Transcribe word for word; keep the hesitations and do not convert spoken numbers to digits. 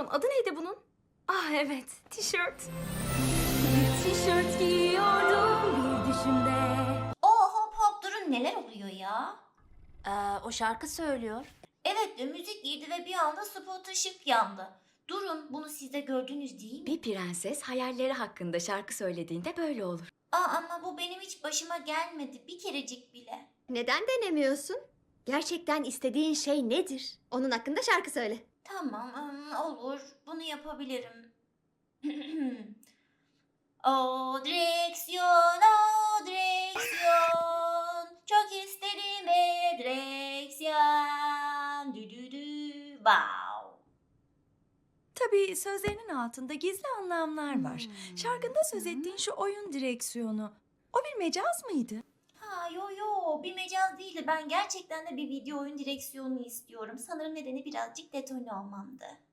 pardon, adı neydi bunun? Ah evet, tişört. Bir tişört giyiyordum bir düşümde. Oo hop hop durun, neler oluyor ya? Ee, o şarkı söylüyor. Evet de müzik girdi ve bir anda spot ışık yandı. Durun, bunu siz de gördünüz değil mi? Bir prenses hayalleri hakkında şarkı söylediğinde böyle olur. Aa, ama bu benim hiç başıma gelmedi bir kerecik bile. Neden denemiyorsun? Gerçekten istediğin şey nedir? Onun hakkında şarkı söyle. Tamam, ım, olur. Bunu yapabilirim. O direksiyon, o direksiyon. Çok isterim e direksiyon. Dü dü dü. Wow. Tabii sözlerinin altında gizli anlamlar var. Şarkında söz ettiğin şu oyun direksiyonu. O bir mecaz mıydı? Ha yo yo, bir mecaz değildi. Ben gerçekten de bir video oyun direksiyonu istiyorum. Sanırım nedeni birazcık detone olmamdı.